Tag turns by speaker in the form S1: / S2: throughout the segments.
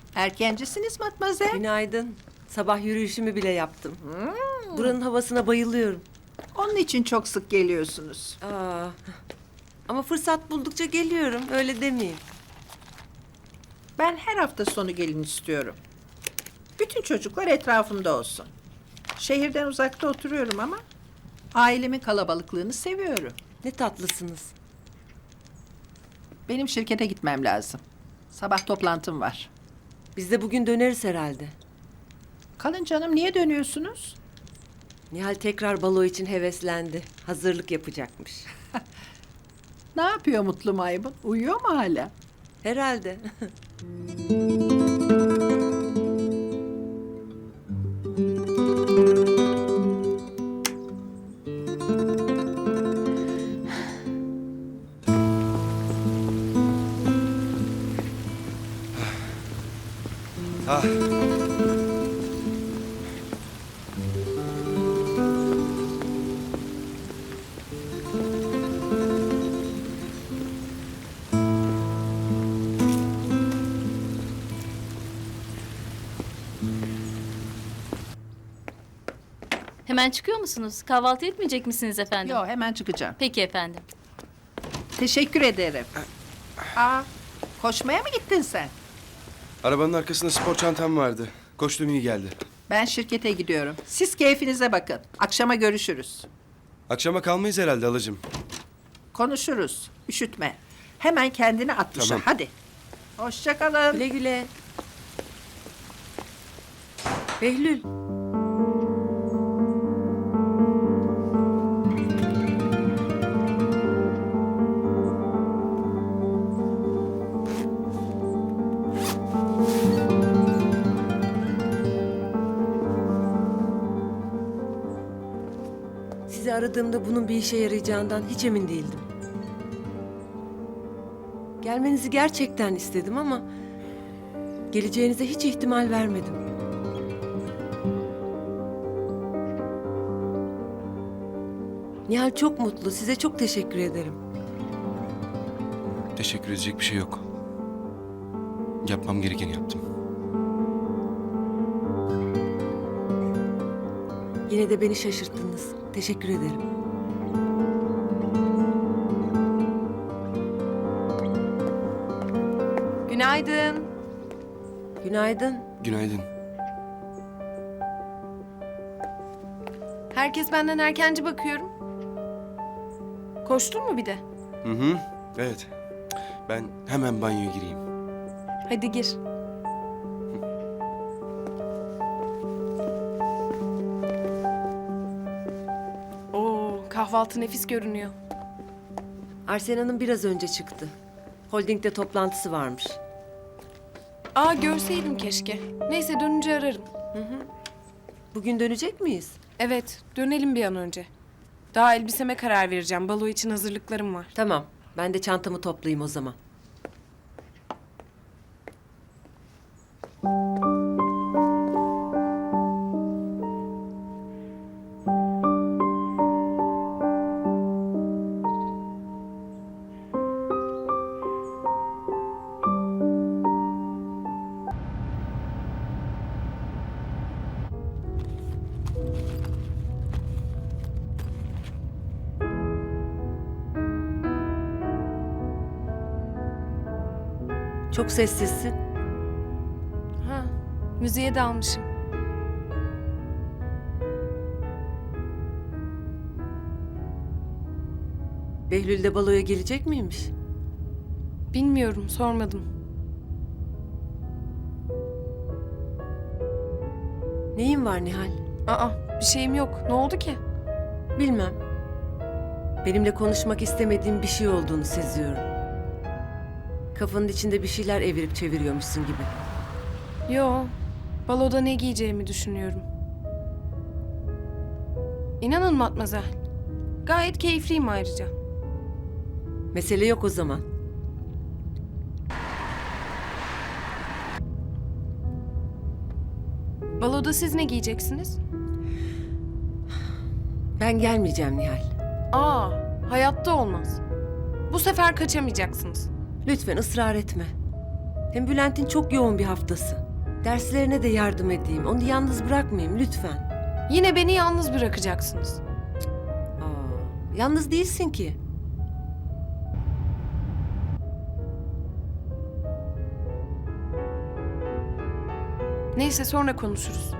S1: Erkencisiniz Matmazel.
S2: Günaydın. Sabah yürüyüşümü bile yaptım. Buranın havasına bayılıyorum.
S1: Onun için çok sık geliyorsunuz.
S2: Ama fırsat buldukça geliyorum. Öyle demeyin.
S1: Ben her hafta sonu gelin istiyorum. Bütün çocuklar etrafımda olsun. Şehirden uzakta oturuyorum ama ailemin kalabalıklığını seviyorum.
S2: Ne tatlısınız.
S1: Benim şirkete gitmem lazım. Sabah toplantım var.
S2: Biz de bugün döneriz herhalde.
S1: Kalın canım, niye dönüyorsunuz?
S2: Nihal tekrar balo için heveslendi. Hazırlık yapacakmış.
S1: Ne yapıyor Mutlu Maymun? Uyuyor mu hala?
S2: Herhalde.
S3: Ah.
S4: Hemen çıkıyor musunuz? Kahvaltı etmeyecek misiniz efendim?
S1: Yok, hemen çıkacağım.
S4: Peki efendim.
S1: Teşekkür ederim. Koşmaya mı gittin sen?
S3: Arabanın arkasında spor çantam vardı. Koştum, iyi geldi.
S1: Ben şirkete gidiyorum. Siz keyfinize bakın. Akşama görüşürüz.
S3: Akşama kalmayız herhalde halacığım.
S1: Konuşuruz. Üşütme. Hemen kendini at dışarı.
S3: Tamam.
S1: Hadi. Hoşça kalın.
S2: Güle güle. Behlül. Sizi aradığımda bunun bir işe yarayacağından hiç emin değildim. Gelmenizi gerçekten istedim ama geleceğinize hiç ihtimal vermedim. Nihal çok mutlu. Size çok teşekkür ederim.
S3: Teşekkür edecek bir şey yok. Yapmam gerekeni yaptım.
S2: Yine de beni şaşırttınız. Teşekkür ederim.
S5: Günaydın.
S2: Günaydın.
S3: Günaydın.
S5: Herkes benden erkenci bakıyorum. Koştun mu bir de?
S3: Hı hı. Evet. Ben hemen banyoya gireyim.
S5: Hadi gir. Oo, kahvaltı nefis görünüyor.
S2: Arsena'nın biraz önce çıktı. Holding'de toplantısı varmış.
S5: Aa, görseydim keşke. Neyse, dönünce ararım.
S2: Bugün dönecek miyiz?
S5: Evet, dönelim bir an önce. Daha elbiseme karar vereceğim. Balo için hazırlıklarım var.
S2: Tamam. Ben de çantamı toplayayım o zaman. Çok sessizsin.
S5: Ha, müziğe dalmışım.
S2: Behlül de baloya gelecek miymiş?
S5: Bilmiyorum, sormadım.
S2: Neyin var Nihal?
S5: Aa, bir şeyim yok. Ne oldu ki?
S2: Bilmem. Benimle konuşmak istemediğin bir şey olduğunu seziyorum. Kafanın içinde bir şeyler evirip çeviriyormuşsun gibi.
S5: Yo, baloda ne giyeceğimi düşünüyorum. İnanın Matmazel, gayet keyifliyim ayrıca.
S2: Mesele yok o zaman.
S5: Baloda siz ne giyeceksiniz?
S2: Ben gelmeyeceğim Nihal.
S5: Aa, hayatta olmaz. Bu sefer kaçamayacaksınız.
S2: Lütfen ısrar etme. Hem Bülent'in çok yoğun bir haftası. Derslerine de yardım edeyim. Onu yalnız bırakmayayım lütfen.
S5: Yine beni yalnız bırakacaksınız.
S2: Yalnız değilsin ki.
S5: Neyse sonra konuşuruz.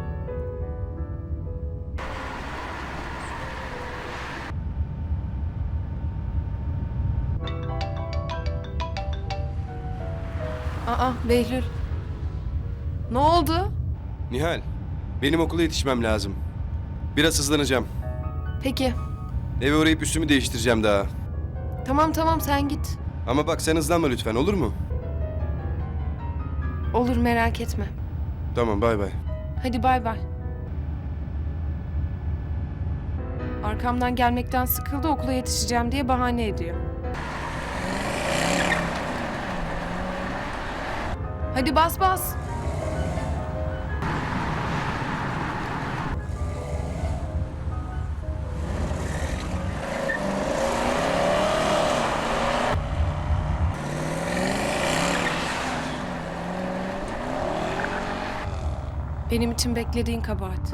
S5: Aa Behlül. Ne oldu?
S3: Nihal, benim okula yetişmem lazım. Biraz hızlanacağım.
S5: Peki.
S3: Eve uğrayıp üstümü değiştireceğim daha.
S5: Tamam tamam sen git.
S3: Ama bak sen hızlanma lütfen, olur mu?
S5: Olur merak etme.
S3: Tamam, bay bay.
S5: Hadi bay bay. Arkamdan gelmekten sıkıldı, okula yetişeceğim diye bahane ediyor. Hadi bas bas. Benim için beklediğin kabahat.